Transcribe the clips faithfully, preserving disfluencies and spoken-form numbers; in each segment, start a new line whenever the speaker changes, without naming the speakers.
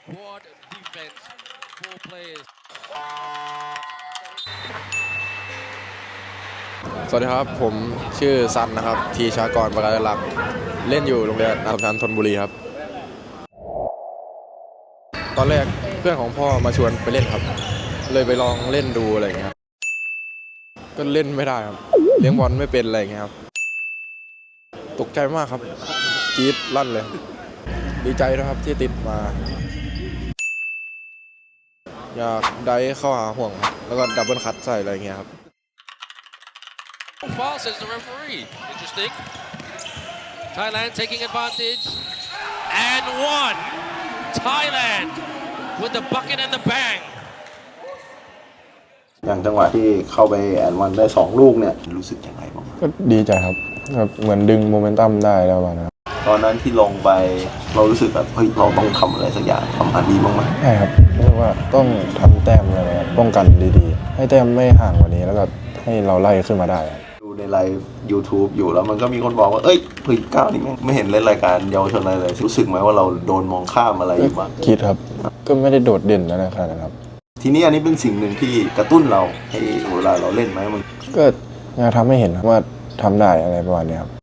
Quad defense, four players.
สวัสดีครับผมชื่อซันนะครับทีชากรประกายหลักเล่นอยู่โรงเรียนอัสสัมชัญธนบุรีครับตอนแรกเพื่อนของพ่อมาชวนไปเล่นครับเลยไปลองเล่นดูอะไรอย่างเงี้ยครับก็เล่นไม่ได้ครับเลี้ยงบอลไม่เป็นอะไรอย่างเงี้ยครับตกใจมากครับจี๊ดลั่นเลยดีใจนะครับที่ติดมาอยากได้เข้าหาห่วงแล้วก็ดับเบิลคัตใส่อะไรอย่างเงี้ยครับ
Foul, says the referee. Interesting. Thailand taking advantage. And one. Thailand with the bucket and the bang.
อย่างจังหวะที่เข้าไปแอนวันได้สองลูกเนี่ยรู้สึกยังไงบ้าง
ก็ดีใจครับแบบเหมือนดึงโมเมนตัมได้แล้วนะครับ
ตอนนั้นที่ลงไปเรารู้สึกแบบเฮ้ยเราต้องทำอะไรสักอย่างทำอันดีบ้างไหม
ใช่ครับเรียกว่าต้องทำแต้มอะไรครับป้องกันดีๆให้แต้มไม่ห่างกว่านี้แล้วก็ให้เราไล่ขึ้นมาได้
ดูในไลฟ์ YouTube อยู่แล้วมันก็มีคนบอกว่าเอ้ยเฮ้ยก้าวนี่ไม่เห็นเล่นรายการเยาวชนอะไรเลยรู้สึกไหมว่าเราโดนมองข้ามอะไรอยู่บ้าง
คิดครับก็ไม่ได้โดดเด่นแล้วนะครับ
ทีนี้อันนี้เป็นสิ่งหนึ่งที่กระตุ้นเราให้เวลาเราเล่นไหมมัน
ก็อยากทำให้เห็นว่าทำได้อะไรประมาณนี้ครับ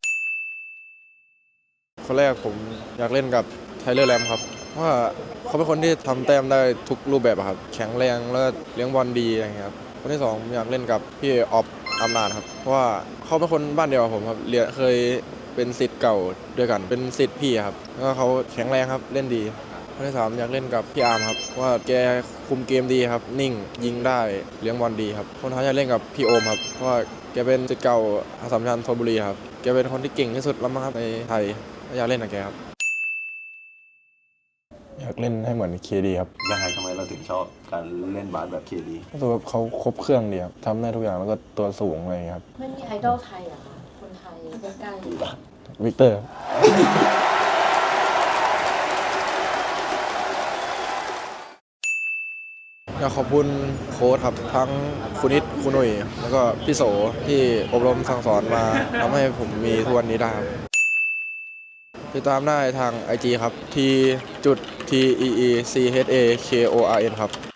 คนแรกผมอยากเล่นกับไทเลอร์แรมครับว่าเขาเป็นคนที่ทำแต้มได้ทุกรูปแบบครับแข็งแรงแล้วก็เลี้ยงบอลดีอะไรอย่างเงี้ยครับคนที่สองอยากเล่นกับพี่ออฟอำนาจครับเพราะว่าเขาเป็นคนบ้านเดียวกับผมครับเรียนเคยเป็นศิษย์เก่าด้วยกันเป็นศิษย์พี่ครับแล้วก็เขาแข็งแรงครับเล่นดีคนที่สามอยากเล่นกับพี่อาร์มครับว่าแกคุมเกมดีครับนิ่งยิงได้เลี้ยงบอลดีครับคนท้ายอยากเล่นกับพี่โอมครับเพราะว่าแกเป็นศิษย์เก่าอัสสัมชัญธนบุรีครับแกเป็นคนที่เก่งที่สุดแล้วมั้งครับในไทยอยากเล่นกับแกครับอยากเล่นให้เหมือนเคดีครับ
ยังไงทำไมเราถึงชอบการเล่นบาสแบบเคดี
รู้สึกว่าเขาครบเครื่องดีครับทำได้ทุกอย่างแล้วก็ตัวสูงอะไรครับ
ไม่มีไอดอลไทยเหรอคะคนไทยใกล้
ๆวิกเตอร์อยากขอบคุณโค้ชครับทั้งคุณนิดคุณหนุ่ยแล้วก็พี่โสที่อบรมสั่งสอนมาทำให้ผมมีทุกวันนี้ได้ครับติดตามได้ทาง ไอ จี ครับ t จุด t e e c h a k o r n ครับ